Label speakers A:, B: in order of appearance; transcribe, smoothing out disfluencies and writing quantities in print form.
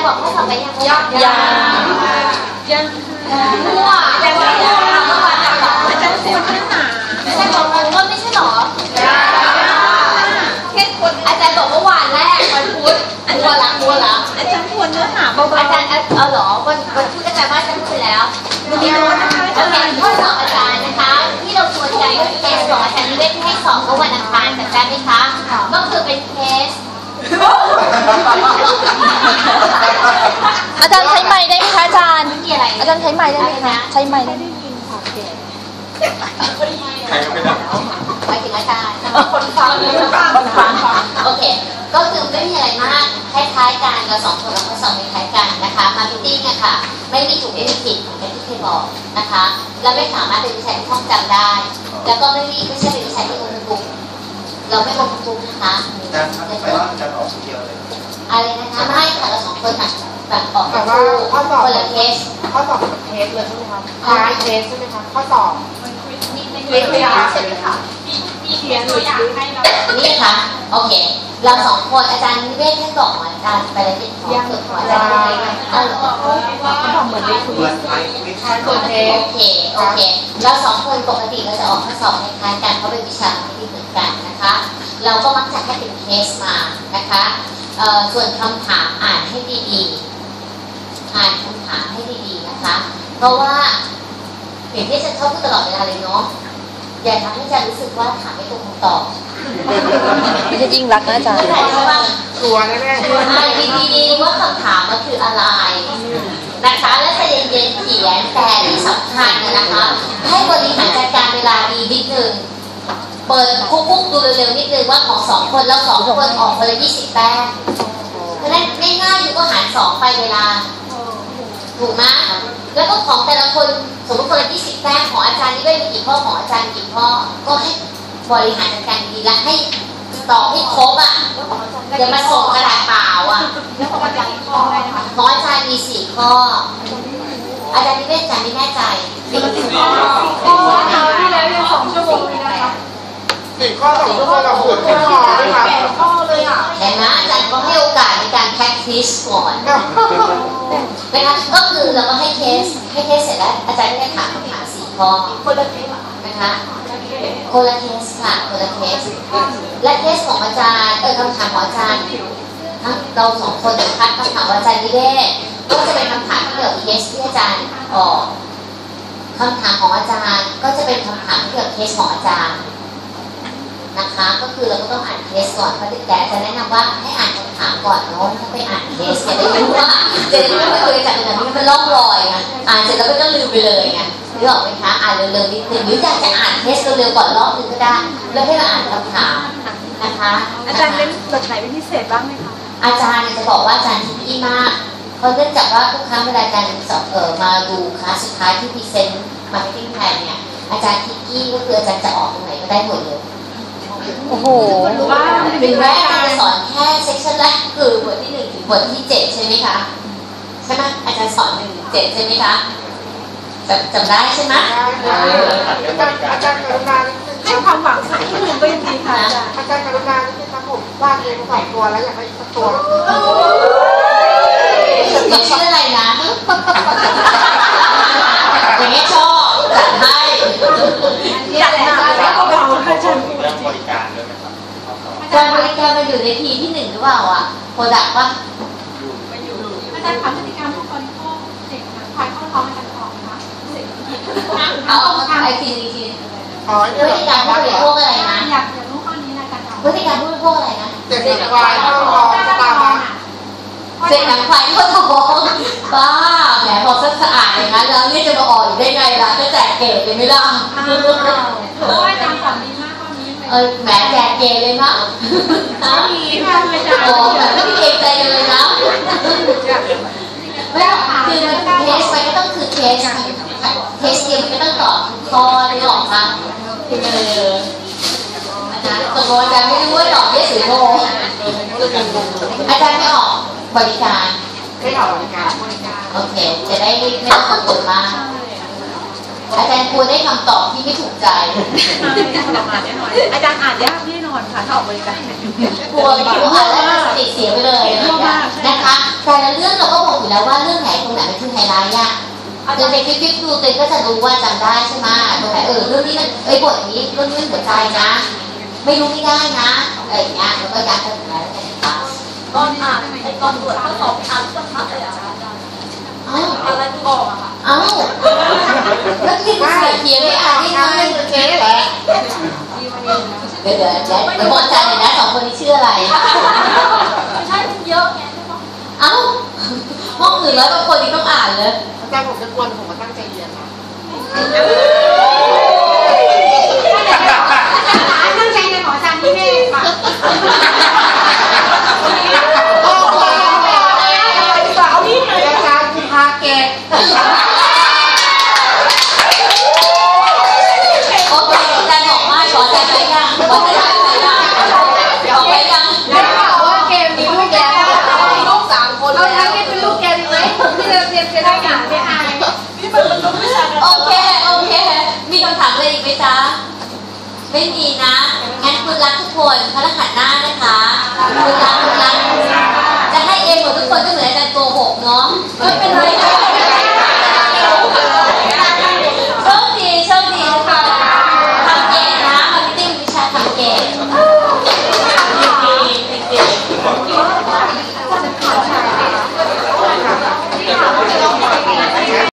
A: บอกข้อสอบไปยัง
B: ยัง
A: มั่วอาจารย์บอกอาจารย์ควรเนื้อหาอาจารย์บอกว่าไม่ใช่หรอแค่คนอาจารย์บอกว่าวันแรกวันพุธมัวละอาจารย์ควรเนื้อหาเบาๆอาจารย์เหรอวันพุธอาจารย์ว่าอาจารย์พูดแล้ววันนี้นะคะโอเคข้อสอบอาจารย์นะคะที่เราควรกันก็เคสของอาจารย์นิเวศให้สอบเมื่อวันอังคารจำได้ไหมคะก็คือเป็นเคส
B: อาจารย์ใช้ไม้ได้ไหมคะอาจารย์
A: มีอะไร
B: อาจารย์ใช้ไม้ได้ไหมคะใช้ไม้ได้ไหม
C: ใครก็ไม่ได้
A: หมายถึงอาจารย์คนฟังโอเคก็คือไม่มีอะไรมากคล้ายๆกันเราสองคนเราข้อสอบคล้ายๆกันนะคะมาร์เก็ตติ้งอะค่ะไม่มีถูกไม่มีผิดเหมือนที่เคยบอกนะคะเราไม่สามารถเป็นวิชาที่ท่องจำได้แล้วก็ไม่ใช่เป็นวิชาที่โอเวอร์บุ๊กเราไม่โอเวอร์บุ๊กนะคะ
C: อาจารย์ไปว่าอาจารย์ออกคนเดียวเลย
A: อะไรนะคะไม่ค่ะเราสองคนแบบออก
D: แต่ว่าข้อสอบ
A: คนละเคส
D: เทสเลยใช่ไหมคะคล้ายเทสใช่ไหมคะข้อสอบ
A: เล็กเลยใช่ไหมคะมีเขียนตัวอย่างให้เรานี่ค่ะโอเคเราสองคนอาจารย์นิเวศท่านบอกอาจารย์ไปแล้วเป็นของเกิดของอาจารย์ได้ไหมเขา
D: บอกเหมือนได้คุย
A: ตัวเทสโอเคเราสองคนปกติเราจะออกข้อสอบคล้ายๆกันเพราะเป็นวิชาที่เหมือนกันนะคะเราก็มักจะให้เป็นเคสมานะคะส่วนคำถามอ่านให้ดีๆอ่านคำถามให้ดีๆนะคะเพราะว่าอย่างที่ฉันชอบพูดตลอดเวลาเลยเนาะอย่าทำให้ฉันรู้สึกว่าถามไม่ตรงคำตอบ
B: ไม่ใช่ยิ่งรักนะอาจารย์
D: กลัวแน่ๆ
A: อ่านดีๆว่าคำถามมันคืออะไรนะคะแล้วใจเย็นๆเขียนแต่ที่สำคัญนะคะให้บริหารจัดการเวลาดีนิดนึงเปิดคุกๆดูเร็วๆนิดนึงว่าของสองคนแล้วสองคนออกคนละ20 แต้มเพราะฉะนั้นง่ายๆคือก็หาร2ไปเวลาถูกไหมแล้วก็ของแต่ละคนสมมติคนละ20 แต้มของอาจารย์นี่ได้มีกี่ข้อของอาจารย์กี่ข้อก็ให้บริหารจัดการดีและให้ตอบให้ครบอ่ะอย่ามาส่งกระดาษเปล่าอ่ะของอาจารย์มี4 ข้ออาจารย์นี่ไม่อาจารย์ไม่แน่ใจ
D: ข้อที่แล้วยัง2 ชั่วโมงเลยนะคะ4 ข้อ2 ชั่วโมงเราฝึกข้อด้วยค่ะข้อเลยอ่ะ
A: เห็นไหมอาจารย์ก็ให้โอกาสในการ practice ก่อนนะคะก็คือเราก็ให้เทสเสร็จแล้วอาจารย์ก็ได้ถามคำถาม4 ข้อ
D: คนละเทส
A: นะคะคนละเทสค่ะคนละเทสและเทสของอาจารย์คำถามของอาจารย์ทั้งเรา2 คนนะคะคำถามของอาจารย์นิเวศก็จะเป็นคำถามที่เกี่ยวกับเคสที่อาจารย์ออกคำถามของอาจารย์ก็จะเป็นคำถามที่เกี่ยวกับเคสของอาจารย์นะคะก็คือเราก็ต้องอ่านเคสก่อนเพราะแต่จะแนะนำว่าให้อ่านคำถามก่อนเนาะถ้าไปอ่านเคสจะได้รู้ว่าจะได้รู้ว่าตัวอาจารย์เป็นแบบนี้มันล่องลอยไงอ่านเสร็จแล้วก็ลืมไปเลยไงนึกออกไหมคะอ่านเร็วๆนิดนึงหรืออยากจะอ่านเคสเร็วๆก่อนรอบนึงก็ได้แล้วให้มาอ่านคำถามนะคะ
D: อาจารย์เล่นบทไหนเป็นพิเศษบ้างไหมคะ
A: อาจารย์จะบอกว่าอาจารย์ทิกกี้มากเพราะเนื่องจากว่าทุกครั้งเวลาอาจารย์สอบมาดูคลาสสุดท้ายที่พรีเซนต์มาร์เก็ตติ้งแพลนเนี่ยอาจารย์ทิกกี้ก็คืออาจารย์จะออกตรงไหนก็ได้หมดเลย
B: โอ้โห
A: ถึงแม้อาจารย์จะสอนแค่เซสชันแรกคือบทที่1 ถึงบทที่ 7ใช่ไหมคะใช่ไหมอาจารย์สอน1 ถึง 7ใช่ไหมคะจำได้ใช่ไหม
D: อาจารย์กรุณาให้ความหวังสักที่หนึ่งก็ยังดีค่ะอาจารย์กรุณาที่ครับผมวาดเอง2 ตัวแล้วอยากได้สักตัว
A: ชื่ออะไรนะอย่างนี้ชอบจัดให้
D: อยากหนักแล้วก็เราอาจารย์
C: เรื่องบริการด้วยไหมครับ
A: การบริการมันอยู่ในทีที่1หรือเปล่าอ่ะโปรดักต์ป่ะ
E: อาจารย์ถามพฤติกรรมผู้บริโภคเด็กนะควายเข้าท้องอาจารย์ตอบคะ
A: เอาไอทีพฤติกรรมผู้บริโภคอะไรนะ
E: อยากรู้ข้อนี้นะอาจารย์ตอบ
A: พฤติกรรมผู้บริโภคอะไรนะ
D: เด็กควายเข้าท้องตามมา
A: เสร็จหนังควายเข้าท้องบ้าแหมพอสะอาดอย่างนั้นแล้วนี่จะมาออกอยู่ได้ไงล่ะจะแจกเก๋เลยไหมล่ะ
E: เพราะว่าอาจารย์สอนดีมากข้อนี้
A: แหมแจกเก๋เลยมั้ง
E: มีค่ะอาจารย์
A: โอ้แบบไม่มีเกรงใจเลยนะไม่คือเทสไปก็ต้องคือเทสเดียวมันก็ต้องตอบข้อได้หรอกค่ะนะตกลงอาจารย์ไม่รู้ว่าตอบเยสหรือโนอาจารย์ไม่ออกบริการ
D: ไม่ออกบริการ
A: โอเคจะได้ไม่ต้องกังวลมากอาจารย์ควรได้คำตอบที่ไม่ถูกใจ
E: อาจารย์อ่านยากแน่นอนค่ะถ้าออกบริการ
A: กลัวอ่านแล้วสติเสียไปเลยนะคะแต่ละเรื่องเราก็บอยู่แล้วว่าเรื่องไหนตรงไหนมันคือไฮไลท์อะเดินไปคลิปดูตัวเองก็จะรู้ว่าจำได้ใช่ไหมตรงไหนเรื่องนี้มันบทนี้เรื่องนี้หัวใจนะ ไม่รู้ไม่ได้นะอะไรอย่างเงี้ยแล้วก็ย้ำกันถึงแล้วกัน
E: ตอนอ่านตอนตรวจข้อสอบอ่านสักพักเลยอ่ะอะไรที่บอกอะค่ะ
A: เอ้าแล้วที่ใส่เทียนไม่อ่านได้ไงเจ๊แหละเดี๋ยวบอกใจเลยนะสองคนนี้ชื่ออะไร
E: ไม่ใช่มันเยอะไง
A: เอ้าห้องอื่นแล้วบางคนนี้ต้องอ่านเลย
D: อาจารย์ผมจะกวนผมมาตั้งใจเรียนนะตั้งใจเรียนของอาจารย์ที่เมฆค่ะเอาที่ไหนอาจารย์คุณพาเกต
A: โอเคอาจารย์บอกว่าขอใจไปยังขอใจไปยังขอไปยัง
D: ได้ข่าวว่าเกมมีลูกแล้วมีลูก3 คนแล้วนี่เป็นลูกเกมไหมที่เราเรียนจะได้อย่างไม่อาย
A: โอเคมีคำถามอะไรอีกไหมจ๊ะไม่มีนะงั้นคุณรักทุกคนพระรหัสหน้านะคะคุณรักจะให้เองหมดทุกคนก็เหมือนอาจารย์โกหกเนาะไม่เป็นไรค่ะโชคดีทุกคนทำเก่งนะมาพิติ้งวิชาทำเก่ง